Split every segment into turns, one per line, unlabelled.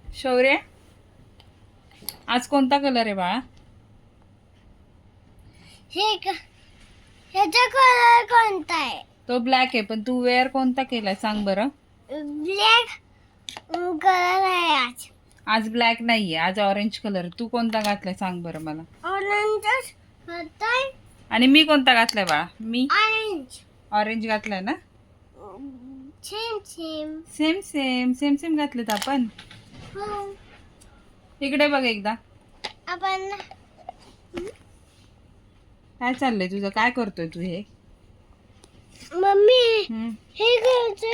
शौर्य, आज कोणता कलर आहे बाळा?
ह्याचा कलर कोणता आहे?
तो ब्लॅक आहे, पण तू वेअर कोणता केलाय सांग बरं.
ब्लॅक कलर आहे आज.
आज ब्लॅक नाहीये, आज ऑरेंज कलर. तू कोणता घातलाय सांग बरं मला.
ऑरेंज होतोय.
आणि मी कोणता घातलाय बाळा? मी
ऑरेंज.
ऑरेंज घातलाय ना.
Same same.
Same same same same घातलेत आपण.
हो.
इकडे बघ एकदा.
आपण
काय चाललंय तुझं? काय करतोय तू हे?
मम्मी
हम्म.
हे करते.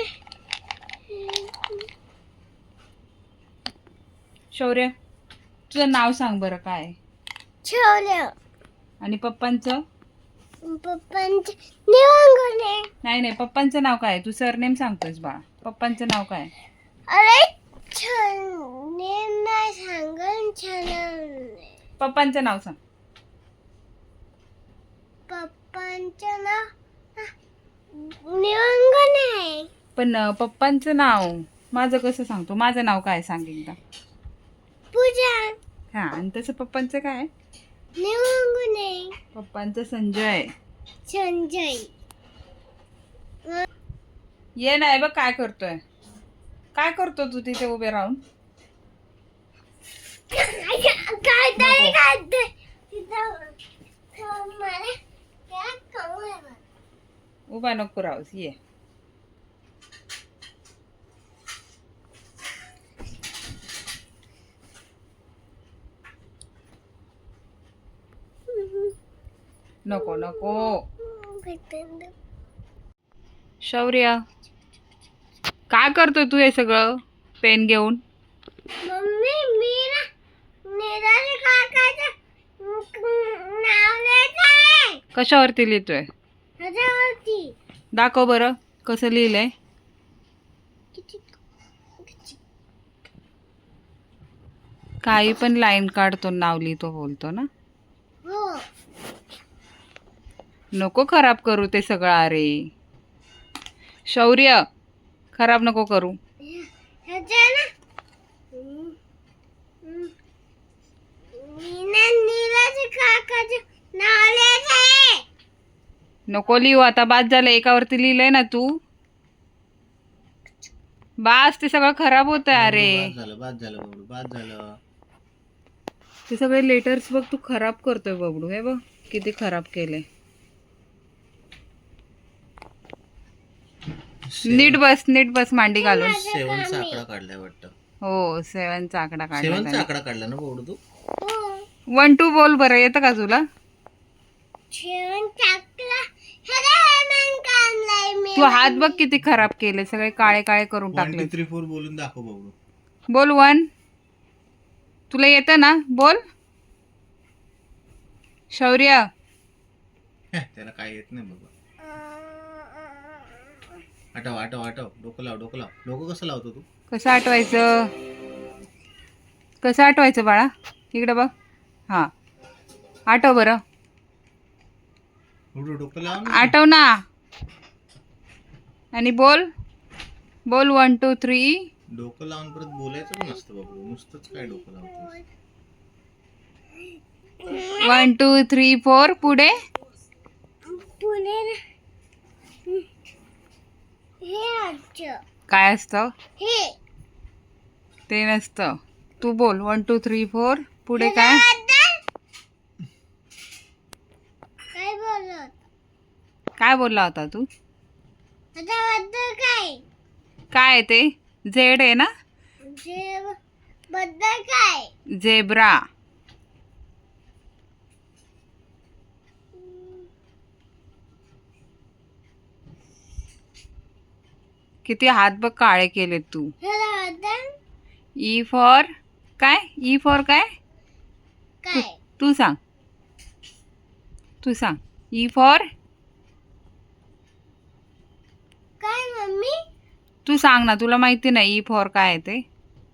शौर्य, तुझं नाव सांग बरं काय?
ठेवलं.
आणि पप्पांचं?
पप्पांचे निवांगणे.
नाही नाही, पप्पांचं नाव काय? तू सरनेम सांगतोयस बाळा. पप्पांचं नाव काय?
अरे छान नेम नाही सांगन. छान
पप्पांचं नाव सांग.
पप्पांचं नाव निवांगणे आहे.
पण पप्पांचं नाव माझं कसं सांगतो? माझं नाव काय सांग एकदा.
पूजा.
हा, आणि तसं पप्पांचं काय?
निवांगणे.
पप्पांचं संजय.
संजय.
ये नाही बघ काय करतोय. काय करतो तू तिथे उभे राहून?
काय तरी करते. मला काय कळलं.
उभा नको राहूस, ये. नको नको. शौर्य, काय करतोय तू हे सगळं पेन घेऊन?
मम्मी मी ना निराले काकाचं नाव लिहिलंय.
कशावरती लिहितोय?
ह्याच्यावरती.
दाखव बरं कसं लिहिलंय. काही पण लाईन काढतो, नाव लिहितो, बोलतो ना.
हो.
नको खराब करू ते सगळं. अरे शौर्य, खराब नको करू.
ह्याच्या ना मी ना निराले काकाचं नाव लिहिलंय.
नको लिहू आता, बाद झालं. एकावरती लिहिलंय ना तू. बास, ते सगळं खराब होत आहे. अरे
बाद झालं बबडू, बाद झालं.
ते सगळे लेटर्स बघ तू खराब करतोय बबडू. हे बघ किती खराब केले. नीट बस, नीट बस मांडी घालून.
7चा आकडा काढलाय वाटतं.
हो, 7चा आकडा
7चा
काढला.
आकडा काढला ना बबडू तू?
1 2 बोल बरं, येतं का तुला?
छेन टाकला. ह्याला काढलाय मी.
तू हात बघ किती खराब केले, सगळे काळे काळे करून
1
टाकले.
2 3 4 बोलून दाखव बबडू.
बोल 1. तुला येतं ना, बोल. शौर्य,
त्याला काय येत नाही बाबा. आठव आठव आठव. डोकं लाव, डोकं लाव. डोकं कसं लावतो तू?
कसं आठवायचं? कसं आठवायचं बाळा? इकडे बघ. हां, आठव बरं.
बबडू डोकं लाव ना.
आठव ना. आणि बोल. बोल 1 2 3.
डोकं लावून परत बोलायचं पण असतं बबडू. नुसतंच काय डोकं लावतो?
1 2 3 4 पुढे.
पुणे ना हे आजचं.
काय असतं?
हे
ते नसतं. तू बोल 1 2 3 4 पुढे काय?
काय बोलत?
काय बोलला होता तू?
ह्याच्याबद्दल काय?
काय आहे ते? झेड आहे ना.
जे बद्दल काय?
झेब्रा. किती हात बघ काळे केलेत तू.
ह्याच्याबद्दल
ई फॉर काय? ई फॉर काय?
काय?
तू सांग. तू सांग. ई फॉर
काय मम्मी?
तू सांग ना, तुला माहिती नाही ई फॉर काय आहे ते?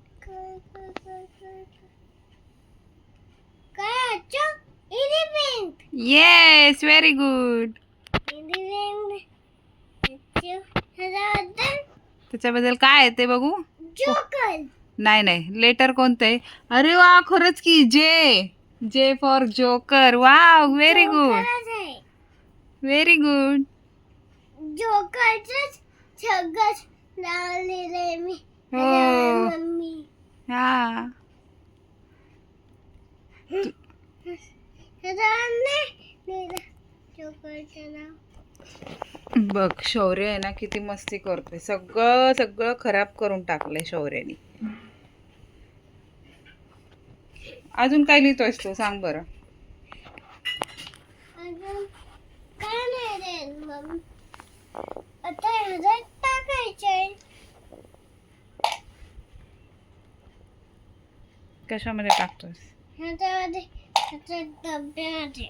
काय आजचं? Elephant.
Yes, very good.
Elephant. ह्याच्याबद्दल
त्याच्याबद्दल काय आहे ते बघू.
जोकर.
नाही नाही, लेटर कोणतं आहे? अरे वा, खरंच की J. J for joker. Wow, very good,
खरंच आहे.
Very good.
जोकरचंच सगळं नाव लिहिलंय मी.
हो.
आणि मम्मी
हा,
नाही लिहिलं जोकरचं नाव.
बघ शौर्य आहे ना किती मस्ती करतोय. सगळं सगळं खराब करून टाकलंय शौर्याने. अजून काय लिहितोयस तू, सांग बरं.
अजून काय नाही रे मम्मी. आता ह्याच्यात टाकायचंय.
कशामध्ये टाकतोयस?
ह्याच्यामध्ये ह्याच्या डब्यामध्ये.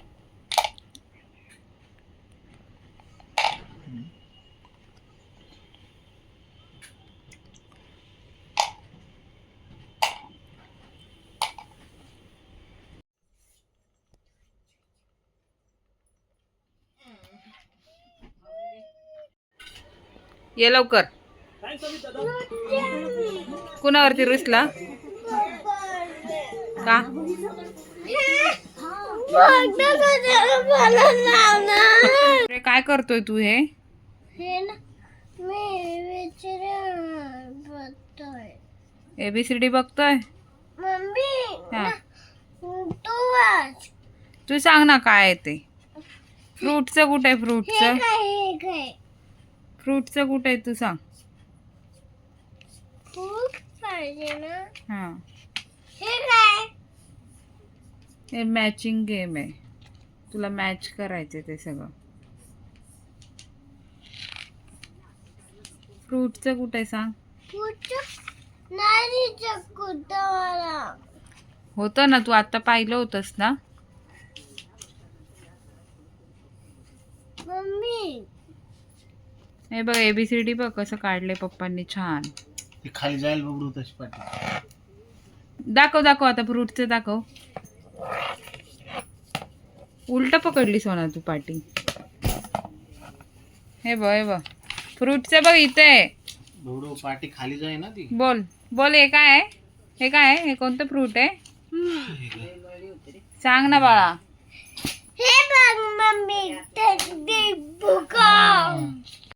ये लवकर. कुणावरती रुसला का? अरे काय करतोय तू हे?
हे ना मी बघतोय.
ABCD बघतोय.
मम्मी
हा,
तू वाच.
तू सांग ना काय आहे ते. फ्रूटचं कुठे आहे?
हे
फ्रूटचं
काय हे काय
फ्रूटचं कुठे आहे तू सांग.
खूप पाहिजे ना.
हा,
हे काय
हे मॅचिंग गेम आहे. तुला मॅच करायचं ते सगळं. फ्रूटचं कुठे आहे सांग.
कुठं नाही कुठं मला.
होतं ना, तू आता पाहिलं होतंस ना.
मम्मी
हे बघ ABCD बघ कसं काढले पप्पांनी छान.
ती खाली जाईल बघू तशी पाठी.
दाखव दाखव आता फ्रूटचं दाखव. उलट पकडली सोना तू पाटी. हे बघ फ्रूटचं बघ इथे.
बघू पाठी खाली जाई ना ती.
बोल बोल, हे काय आहे? हे काय आहे? हे कोणतं फ्रूट आहे? सांग ना बाळा.
हे बघ मम्मी ते बुका.